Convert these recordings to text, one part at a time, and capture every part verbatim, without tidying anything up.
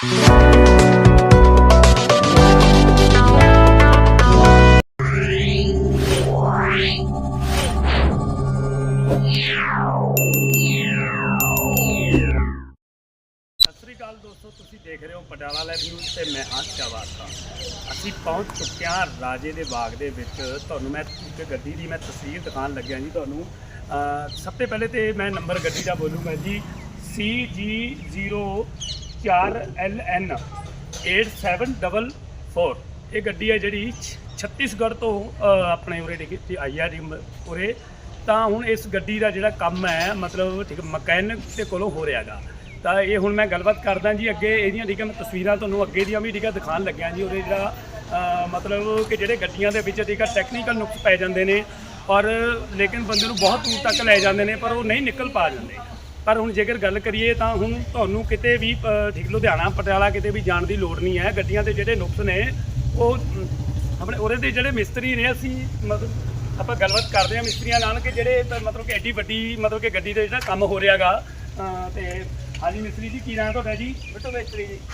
दोस्तों तुसी देख रहे हो पटियाला लाइव न्यूज़ ते मैं हाँ शहबाज खान। असी पहुँच चुके हैं राजे दे बाग दे विच। तुहानूं मैं एक गड्डी दी मैं तस्वीर दिखाण लग्या जी। तुहानूं सब तो पहले तो मैं नंबर गड्डी का बोलूँगा जी सी जी जीरो चार L N eight seven double four. ये गड्डी है जी छत्तीसगढ़ तो अपने उरे टिकट आई है जी उरे। तो हुण इस गड्डी का जिहड़ा काम है मतलब ठीक मकैनिक के कोलों हो रहा गा। तो ये हुण मैं गलबात करदा जी अगे इहदियां ठीक है मैं तस्वीरां तुहानूं अगे दियां भी ठीक है दिखाण लग्या जी। उहदे जिहड़ा मतलब कि जिहड़े गड्डियां दे विच ठीक है टैक्नीकल नुक्स पै जांदे ने और लेकिन बंदे नूं बहुत दूर तक लै जांदे ने पर वो नहीं निकल पा जांदे। पर हुण जेकर गल करिए तां हुण तुहानूं किते भी ठीक लुधियाना पटियाला किते भी जाण दी लोड़ नहीं है। गड्डियां दे जिहड़े नुक्स ने वो अपने उहदे दे जिहड़े मिस्त्री ने असीं मतलब आपां गलबात करदे हां मिस्त्रियां नाल कि जिहड़े मतलब कि एड्डी वड्डी मतलब कि गड्डी दे जिहड़ा काम हो रिहा गा। ते हाँ जी मिस्त्री जी की नाम तुहाडा जी? बिट्टू मिस्त्री जी।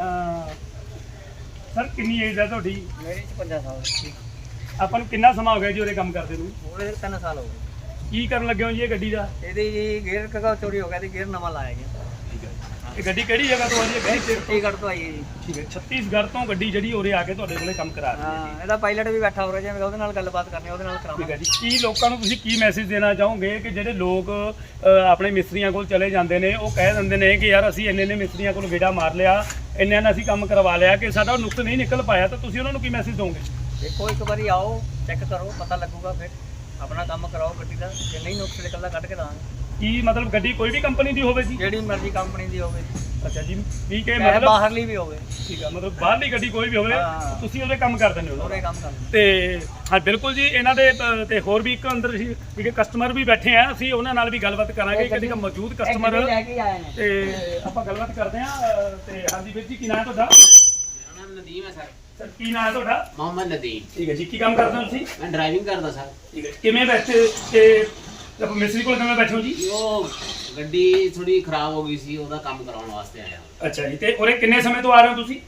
सर कितनी एज है तुहाडी? मेरी पचपन साल। ਆਪਾਂ ਨੂੰ ਕਿੰਨਾ ਸਮਾਂ ਹੋ ਗਿਆ ਜੀ ਉਰੇ ਕੰਮ ਕਰਦੇ ਨੂੰ? ਉਹਦੇ ਤਿੰਨ ਸਾਲ ਹੋ ਗਏ। ਕੀ ਕਰਨ ਲੱਗੇ ਹੋ ਜੀ ਇਹ ਗੱਡੀ ਦਾ? ਇਹਦੀ ਜੀ ਗੇਅਰ ਕਗਾ ਚੋਰੀ ਹੋ ਗਿਆ ਤੇ ਗੇਅਰ ਨਵਾਂ ਲਾਇਆ ਗਿਆ। ਠੀਕ ਹੈ। ਇਹ ਗੱਡੀ ਕਿਹੜੀ ਜਗ੍ਹਾ ਤੋਂ ਆਈ ਹੈ? ਗੱਡੀ ਛੱਤੀਸਗੜ੍ਹ ਤੋਂ ਆਈ ਹੈ ਜੀ। ਠੀਕ ਹੈ। ਛੱਤੀਸਗੜ੍ਹ ਤੋਂ ਗੱਡੀ ਜਿਹੜੀ ਉਰੇ ਆ ਕੇ ਤੁਹਾਡੇ ਕੋਲੇ ਕੰਮ ਕਰਾ ਰਹੀ ਹੈ। ਹਾਂ ਇਹਦਾ ਪਾਇਲਟ ਵੀ ਬੈਠਾ ਹੋ ਰਿਹਾ ਜਿਵੇਂ ਉਹਦੇ ਨਾਲ ਗੱਲਬਾਤ ਕਰਨੀ ਉਹਦੇ ਨਾਲ ਕਰਾਵਾਂਗੇ। ਠੀਕ ਹੈ ਜੀ। ਕੀ ਲੋਕਾਂ ਨੂੰ ਤੁਸੀਂ ਕੀ ਮੈਸੇਜ ਦੇਣਾ ਚਾਹੋਗੇ ਕਿ ਜਿਹੜੇ ਲੋਕ ਆਪਣੇ ਮਿਸਤਰੀਆਂ ਕੋਲ ਚਲੇ ਜਾਂਦੇ ਨੇ ਉਹ ਕਹਿ ਦਿੰਦੇ ਨੇ ਕਿ ਯਾਰ ਅਸੀਂ ਇੰਨੇ ਇੰਨੇ ਮਿਸਤਰੀਆਂ ਕੋਲ ਗੇੜਾ ਮਾਰ ਲਿਆ ਇੰਨੇ ਨਾਲ ਅਸੀਂ ਕੰਮ ਕਰਵਾ ਲਿਆ ਕਿ ਸਾਡਾ ਨੁਕਸ ਨਹੀਂ ਨਿਕਲ ਪਾਇਆ ਤਾਂ ਤੁਸੀਂ ਉਹਨਾਂ ਨੂੰ ਕੀ ਮੈਸੇਜ ਦੋਗੇ? देखो एक बार आओ चेक करो पता लगूगा फिर अपना काम कराओ गड्डी का जे नहीं नुक्स निकलदा कट के दांगे। की मतलब गड्डी कोई भी कंपनी दी होवे जी? जेड़ी मर्जी कंपनी दी होवे। अच्छा जी ठीक है मतलब बाहरली भी होवे। ठीक है मतलब बाहरली गड्डी कोई भी होवे ਤੁਸੀਂ ਉਹਦੇ ਕੰਮ ਕਰ ਦਿੰਦੇ ਹੋ? ਉਹਦੇ ਕੰਮ ਕਰਦੇ ਤੇ ਹਾਂ ਬਿਲਕੁਲ ਜੀ। ਇਹਨਾਂ ਦੇ ਤੇ ਹੋਰ ਵੀ ਇੱਕ ਅੰਦਰ ਠੀਕ ਹੈ ਕਸਟਮਰ ਵੀ ਬੈਠੇ ਆ ਅਸੀਂ ਉਹਨਾਂ ਨਾਲ ਵੀ ਗੱਲਬਾਤ ਕਰਾਂਗੇ ਕਿ ਜਿਹੜਾ ਮੌਜੂਦ ਕਸਟਮਰ ਤੇ ਆਪਾਂ ਗੱਲਬਾਤ ਕਰਦੇ ਆ। ਤੇ ਹਾਂਜੀ ਵੀਰ ਜੀ ਕੀ ਨਾਮ ਤੁਹਾਡਾ? ਮੇਰਾ ਨਾਮ ਨਦੀਮ ਹੈ ਸਰ। सर की नाम है ਤੁਹਾਡਾ? मोहम्मद नदीम। ठीक है जी। की काम करते हो ਤੁਸੀਂ? मैं ड्राइविंग करता सर। ठीक है। किवें बैठे ਤੇ ਜਦ ਮਿਸਤਰੀ ਕੋਲ ਕਿਵੇਂ ਬੈਠੇ ਹੋ ਜੀ? ਉਹ ਗੱਡੀ ਥੋੜੀ ਖਰਾਬ ਹੋ ਗਈ ਸੀ ਉਹਦਾ ਕੰਮ ਕਰਾਉਣ ਵਾਸਤੇ ਆਇਆ। ਅੱਛਾ ਜੀ। ਤੇ ਉਰੇ ਕਿੰਨੇ ਸਮੇਂ ਤੋਂ ਆ ਰਹੇ ਹੋ ਤੁਸੀਂ?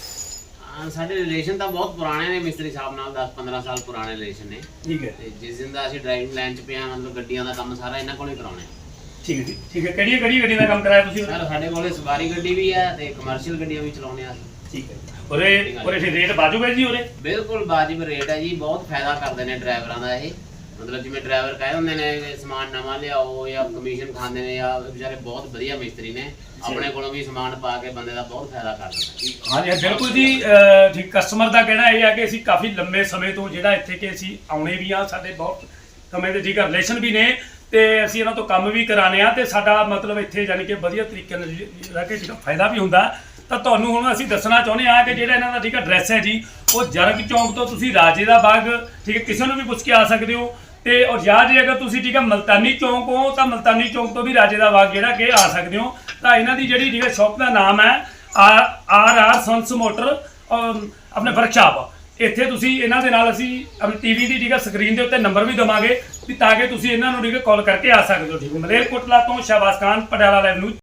ਹਾਂ ਸਾਡੇ ਰਿਲੇਸ਼ਨ ਤਾਂ ਬਹੁਤ ਪੁਰਾਣੇ ਨੇ ਮਿਸਤਰੀ ਸਾਹਿਬ ਨਾਲ ਦਸ ਪੰਦਰਾਂ ਸਾਲ ਪੁਰਾਣੇ ਰਿਲੇਸ਼ਨ ਨੇ। ਠੀਕ ਹੈ। ਤੇ ਜਿਸ ਦਿਨ ਦਾ ਅਸੀਂ ਡਰਾਈਵਿੰਗ ਲਾਈਨ 'ਚ ਪਿਆ ਮਤਲਬ ਗੱਡੀਆਂ ਦਾ ਕੰਮ ਸਾਰਾ ਇਹਨਾਂ ਕੋਲ ਹੀ ਕਰਾਉਣਾ ਹੈ। ਠੀਕ ਹੈ ਜੀ। ਠੀਕ ਹੈ। ਕਿਹੜੀ ਕਿਹੜੀ ਗੱਡੀ ਦਾ ਕੰਮ ਕਰਾਇਆ ਤੁਸੀਂ? ਸਰ ਸਾਡੇ ਕੋਲੇ ਸਵਾਰੀ ਗੱਡੀ ਵੀ ਹੈ ਤੇ ਕਮਰਸ਼ੀਅਲ ਗੱਡੀਆਂ ਵੀ ਚਲਾਉਂਦੇ ਆ। ਠੀਕ ਹੈ। ਉਰੇ ਉਰੇ ਰੇਟ ਵਾਜਬ ਹੈ ਜੀ? ਉਰੇ ਬਿਲਕੁਲ ਵਾਜਬ ਰੇਟ ਹੈ ਜੀ। ਬਹੁਤ ਫਾਇਦਾ ਕਰਦੇ ਨੇ ਡਰਾਈਵਰਾਂ ਦਾ ਇਹ ਮਤਲਬ ਜਿਵੇਂ ਡਰਾਈਵਰ ਕਹੇ ਹੁੰਦੇ ਨੇ ਸਮਾਨ ਨਵਾਂ ਲਿਆਓ ਜਾਂ ਕਮਿਸ਼ਨ ਖਾਂਦੇ ਨੇ ਜਾਂ ਵਿਚਾਰੇ ਬਹੁਤ ਵਧੀਆ ਮਿਸਤਰੀ ਨੇ ਆਪਣੇ ਕੋਲੋਂ ਵੀ ਸਮਾਨ ਪਾ ਕੇ ਬੰਦੇ ਦਾ ਬਹੁਤ ਫਾਇਦਾ ਕਰਦੇ ਨੇ। ਹਾਂਜੀ ਬਿਲਕੁਲ ਜੀ। ਠੀਕ ਕਸਟਮਰ ਦਾ ਕਹਿਣਾ ਇਹ ਹੈ ਕਿ ਅਸੀਂ ਕਾਫੀ ਲੰਬੇ ਸਮੇਂ ਤੋਂ ਜਿਹੜਾ ਇੱਥੇ ਕਿ ਅਸੀਂ ਆਉਣੇ ਵੀ ਆ ਸਾਡੇ ਬਹੁਤ ਸਮੇਂ ਦੇ ਠੀਕ ਰਿਲੇਸ਼ਨ ਵੀ ਨੇ ਤੇ ਅਸੀਂ ਇਹਨਾਂ ਤੋਂ ਕੰਮ ਵੀ ਕਰਾਣੇ ਆ ਤੇ ਸਾਡਾ ਮਤਲਬ ਇੱਥੇ ਯਾਨੀ ਕਿ ਵਧੀਆ ਤਰੀਕੇ ਨਾਲ ਜਿਹੜਾ ਕਿ ਫਾਇਦਾ ਵੀ ਹੁੰਦਾ। ਤਾਂ ਤੁਹਾਨੂੰ ਹੁਣ ਅਸੀਂ ਦੱਸਣਾ ਚਾਹੁੰਦੇ ਹਾਂ ਕਿ ਜਿਹੜਾ ਇਹਨਾਂ ਦਾ ਠੀਕ ਐਡਰੈਸ ਹੈ ਜੀ ਉਹ ਜਰਗ ਚੌਂਕ ਤੋਂ ਤੁਸੀਂ ਰਾਜੇ ਦਾ ਬਾਗ ਠੀਕ ਹੈ ਕਿਸੇ ਨੂੰ ਵੀ ਪੁੱਛ ਕੇ ਆ ਸਕਦੇ ਹੋ। ਤੇ ਔਰ ਜਾਂ ਜੇ ਅਗਰ ਤੁਸੀਂ ਠੀਕ ਹੈ ਮਲਤਾਨੀ ਚੌਂਕ ਹੋ ਤਾਂ ਮਲਤਾਨੀ ਚੌਂਕ ਤੋਂ ਵੀ ਰਾਜੇ ਦਾ ਬਾਗ ਜਿਹੜਾ ਕਿ ਆ ਸਕਦੇ ਹੋ। ਤਾਂ ਇਹਨਾਂ ਦੀ ਜਿਹੜੀ ਠੀਕ ਹੈ ਸ਼ੌਪ ਦਾ ਨਾਮ ਹੈ R R R sons motor ਆਪਣੇ ਵਰਕਸ਼ਾਪ। ਇੱਥੇ ਤੁਸੀਂ ਇਹਨਾਂ ਦੇ ਨਾਲ ਅਸੀਂ ਆਪਣੀ ਟੀਵੀ ਦੀ ਠੀਕ ਹੈ ਸਕਰੀਨ ਦੇ ਉੱਤੇ ਨੰਬਰ ਵੀ ਦੇਵਾਂਗੇ ਵੀ ਤਾਂ ਕਿ ਤੁਸੀਂ ਇਹਨਾਂ ਨੂੰ ਠੀਕ ਹੈ ਕਾਲ ਕਰਕੇ ਆ ਸਕਦੇ ਹੋ। ਠੀਕ ਹੈ। ਮਲੇਰਕੋਟਲਾ ਤੋਂ ਸ਼ਹਬਾਜ਼ ਖਾਨ, ਪਟਿਆਲਾ ਲਾਈਵ ਨਿਊਜ਼।